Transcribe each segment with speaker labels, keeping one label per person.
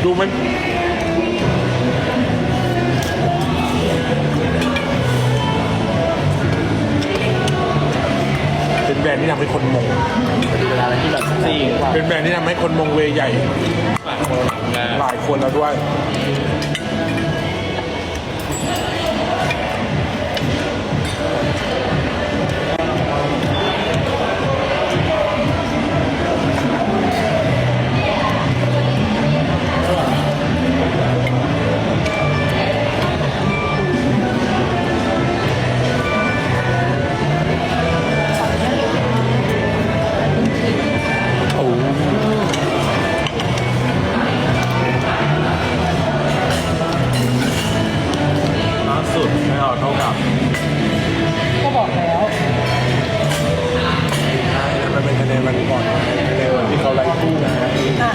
Speaker 1: ดูมันเป็นแบรนด์ที่ทำให้คนมง
Speaker 2: เวลาอะไรที่แบบจริง
Speaker 1: เป็นแบรนด์ที่ทำให้คนมงเวใหญ่
Speaker 2: หลายคนงาน
Speaker 1: หลายคนแล้วด้วย
Speaker 2: ล่าสุดไม่เอาเท่ากับ
Speaker 3: ก็บอกแล้ว
Speaker 1: มันเป็นคะแนนวันก่อนคะแนนวันที่เขาไล่คู่นะ
Speaker 3: อ่า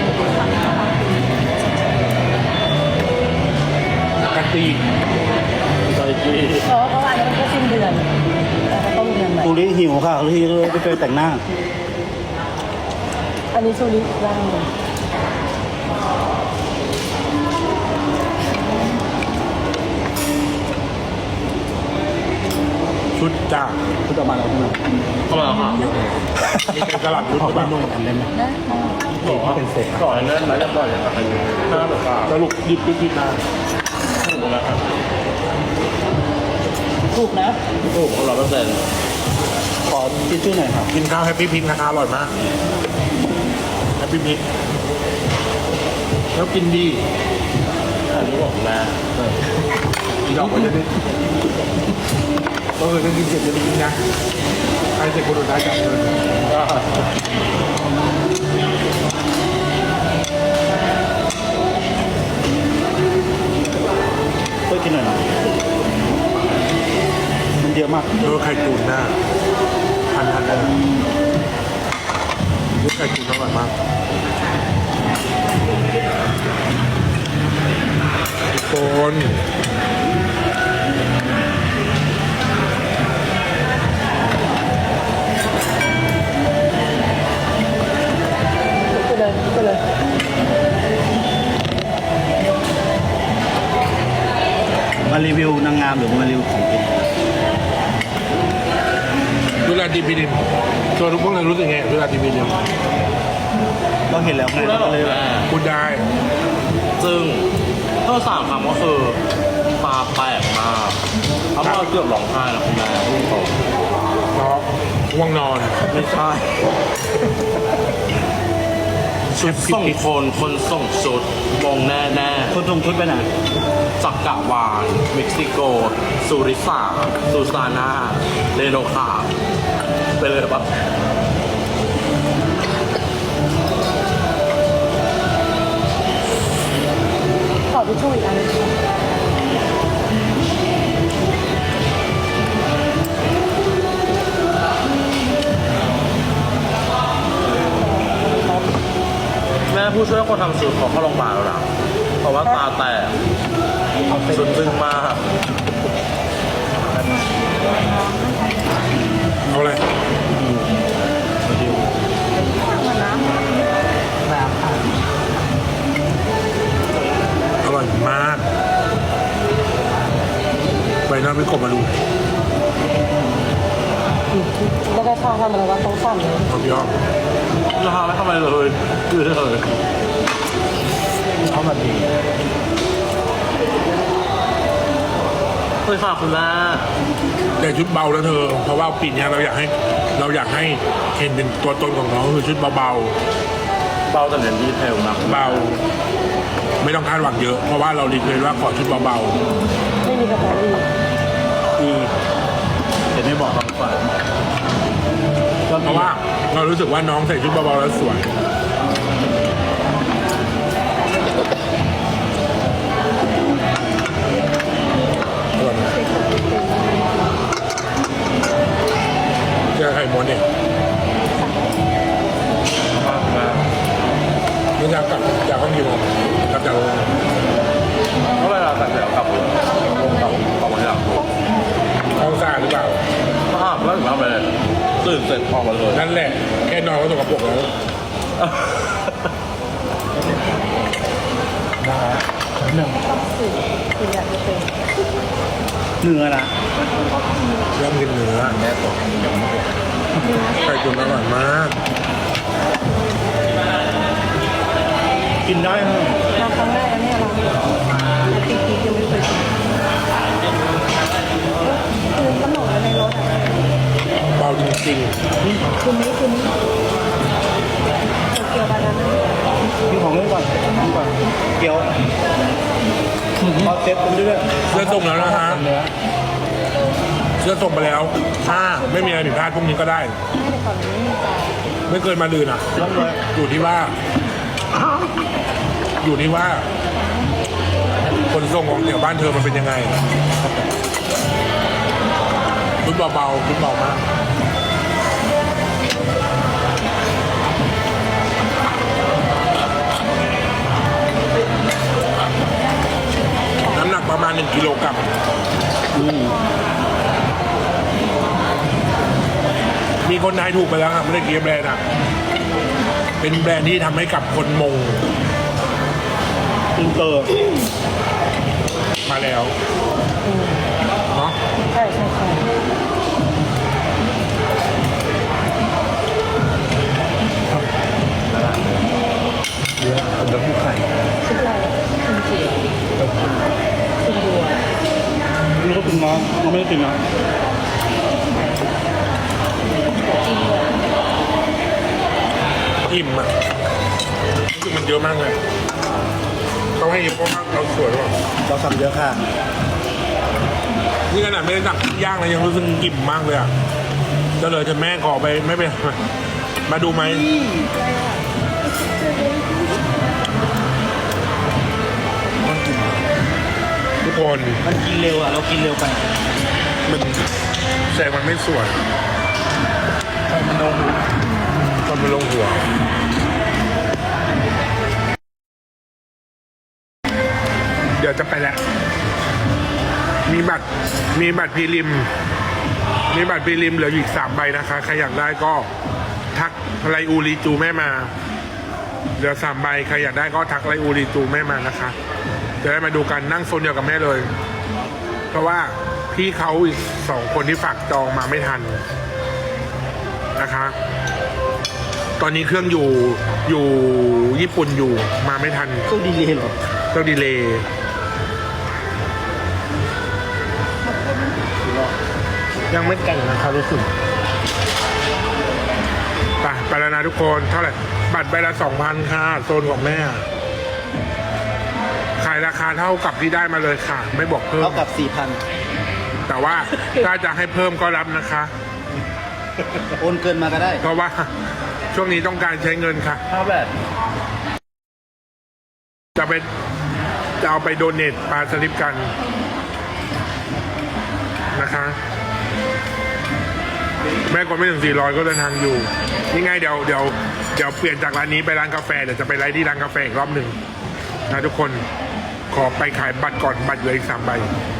Speaker 1: กันตี
Speaker 2: ใจดี
Speaker 3: เพราะว่าอันนี้มันก็สิ้นเดือนแต่ก็ต้องเดือนใหม่
Speaker 4: ตูริหิวค่ะตูริเลยไปแต่งหน้า
Speaker 3: อันนี้ชูริร่างหนึ่ง
Speaker 1: ชุดจาก
Speaker 4: คุณจะมาแล้วใช่ไหม
Speaker 2: เข้ามาค่ะ
Speaker 1: นี่เป็นกระหลัดชุด
Speaker 4: ขอ
Speaker 1: หรือเป
Speaker 4: เป็น
Speaker 1: ล่า
Speaker 4: นุ่มอันได้ไหม
Speaker 3: นะ
Speaker 4: ขอเป็นเศษ
Speaker 2: ก่อนนั้นแล้วจะปล่อยอะไรหน้าแบบว่า
Speaker 1: สรุปหยิบผิดมา
Speaker 2: ถูกแล้วครับ
Speaker 3: ถูกนะ
Speaker 2: ถูก100%
Speaker 4: ขอทิชชู่หน่อยครับ
Speaker 1: กินข้าวแฮปปี้พิงนะคะอร่อยมากแฮปปี้พิงแล้วกินดี
Speaker 2: อันนี้บอกนะ
Speaker 1: อีดอกมันจะได้ก็คือถ้ากินเสร็จจะได้กินนะใครเสร็จคนสุดท้ายจับเลย
Speaker 4: ช่วยกินหน่อยนะมันเยอะมาก
Speaker 1: เออไข่ตุ๋นน่ะพันเลยยุคไข่ตุ๋นอร่อยมากทุกคน
Speaker 3: ไปเลย
Speaker 4: มารีวิวนางงามหรือมารีวิวของกิน
Speaker 1: ดูแลดีพีดิมตัวทุกพวกเรารู้สึกไงดูแลดีพีดิม
Speaker 4: ก็เห็นแล้วไง
Speaker 2: พูดได้หร
Speaker 4: ก็
Speaker 2: อ
Speaker 4: เลย
Speaker 2: แม่
Speaker 1: พูดได้
Speaker 2: ซึ่งก็3 คำก็คือตาแตกมากเขาบอกเกือบร้องไห้นะคุณแม่พูดตรง
Speaker 1: เพราะง่วงนอน
Speaker 2: ไม่ใช่ชุดส่งคนส่งชุดมงแน่
Speaker 4: คนทรงชุดไปไหน
Speaker 2: ๆจักรวาลเม็กซิโกซูริสาซูซาน่าเรโนคาไปเลยปะ
Speaker 3: ขอทิชชู่อีกอันนึง
Speaker 2: แม่ผู้ช่วยคนทำชุดขอเข้าโรงพยาบาลแล้วนะเพราะว่าตาแตกชุดตึงมาก
Speaker 1: เอาเลยอร่อยมากไปน้ำไม่กบมาดู
Speaker 3: แล้วก็ข้าวทำอะไรวะต้องสั่นเลย
Speaker 1: ความยอม
Speaker 2: ราคาไม่ทำอะไรเลยยืดเลย
Speaker 4: เขามาดี
Speaker 2: เฮ้ยฝากคุณแม่
Speaker 1: แต่ชุดเบาแล้วเธอ เพราะว่าปีนี้เราอยากให้เคนเป็นตัวตนของน้องคือชุดเบา
Speaker 2: เบาแต่เน้นดีเทลนะ
Speaker 1: ๆเบา ไม่ต้องคาดหวังเยอะ เพราะว่าเรารีเควสว่าขอชุดเบา
Speaker 3: ไม่มีกระเป๋าอีก
Speaker 4: ดีเห็นไม่บอกเราก่อนก็
Speaker 1: ๆเพราะว่าเรารู้สึกว่าน้องใส่ชุดเบาๆแล้วสวยอร่อยไหมเจอไข่ม้วนเนี่ย
Speaker 2: มากแม่
Speaker 1: นี่จะกลับจากห้องกี่โมงกลับจากโรงแรม
Speaker 2: ก็เวลาแต่เดี๋ยวกลับเลยกลับมาอยากดู
Speaker 1: ห้องสะอาดหรือเปล่า
Speaker 2: ภาพแล้วถึงทำอะไรตื่นเสร็จออกมาเลย
Speaker 1: นั่นแหละ แค่นอนก็ตกกระปรกแล้ว
Speaker 4: เนื้อนะ
Speaker 1: เริ่มกินเนื้อแม่ตัวไก่ตุ๋นอร่อยมาก
Speaker 4: กินได้ฮะ
Speaker 3: มาครั้งแรกแล้วเนี่ยเราตีกียังไม่เคยกินคือขนมในรถอ่ะ
Speaker 1: เบาจริง
Speaker 3: คือนี้เกี่ยวบานาน่า
Speaker 4: กินของเล่นก่อนกินก่อนเกี๊ยวพอเซ็ตไปเรื่อย
Speaker 1: ๆเสื้อส่งแล้วนะฮะ
Speaker 4: เนื้อ
Speaker 1: เสื้อส่งไปแล้วถ้าไม่มีอะไรผิดพลาดพรุ่งนี้ก็ได้
Speaker 3: ให้แต่ก่อนนี้มีจ่าย
Speaker 1: ไม่เกินมาลืนอ่ะ
Speaker 4: ต้องเลย
Speaker 1: อยู่ที่ว่า ขนส่งของแถวบ้านเธอมันเป็นยังไงชุดเบาๆชุดเบามากน้ำหนักประมาณ1 กิโลกรัมมีคนทายถูกไปแล้วครับไม่ได้เกียร์แบรนด์อ่ะ เป็นแบรนด์ที่ทำให้กับคนมง
Speaker 4: อินเตอร์
Speaker 1: มาแล้วเนาะ
Speaker 3: ใช่ใช่ใช่
Speaker 4: เนื้อแล้วผู้ไข่
Speaker 3: ชุดอะไรชุดเจียวชุดบัว
Speaker 4: นี่ก็กินน้องเราไม่ได้กินนะ
Speaker 1: อิ่มอ่ะรู้สึกมันเยอะมากเลยเขาให้อิ่มเพราะว่าเราสวยหรอ
Speaker 4: เราสั่งเยอะค่ะ
Speaker 1: นี่ขนาดไม่ได้สั่งย่างเลยยังรู้สึกอิ่มมากเลยอ่ะก็เลยจะแม่ขอไปไม่ไปมาดูไหมทุกคน
Speaker 4: มันกินเร็วอ่ะเรากินเร็วไป
Speaker 1: มันแสงมันไม่สวย
Speaker 4: มันลง
Speaker 1: ตอนมันลงหัว เดี๋ยวจะไปแล้ว มีบัตรพรีริม มีบัตรพรีริมเหลืออยู่อีก3 ใบนะคะ ใครอยากได้ก็ทักไรอูรีจูแม่มา เหลือ3 ใบ ใครอยากได้ก็ทักไรอูรีจูแม่มานะคะ จะได้มาดูกันนั่งโซนเดียวกับแม่เลย เพราะว่าพี่เขาอีก2 คนที่ฝากจองมาไม่ทันนะคะ ตอนนี้เครื่องอยู่ญี่ปุ่นอยู่มาไม่ทัน
Speaker 4: ตู้ดีเลยเหรอ
Speaker 1: ต้องดีเลย์ยังไม่แต่งนะครับรู้สึกไปแล้วนะทุกคนเท่าไหร่บัตรใบละ 2,000 ค่ะโซนของแม่ ขายราคาเท่ากับที่ได้มาเลยค่ะ ไม่บอกเพิ่ม
Speaker 4: เท่ากับ 4,000
Speaker 1: แต่ว่าถ้าจะให้เพิ่มก็รับนะคะ
Speaker 4: โอนเกินมาก็ได้
Speaker 1: เพราะว่าช่วงนี้ต้องการใช้เงินค่ะ
Speaker 4: ค่าแบบ
Speaker 1: จะเอาไปโดเนทปลาสลิปกันนะคะ แม่กดไม่ถึง400ก็เดินทางอยู่นี่ไงเดี๋ยวเปลี่ยนจากร้านนี้ไปร้านกาแฟเดี๋ยวจะไปไลฟ์ที่ร้านกาแฟอีกรอบหนึ่งนะทุกคนขอไปขายบัตรก่อนบัตรเหลืออีก3 ใบ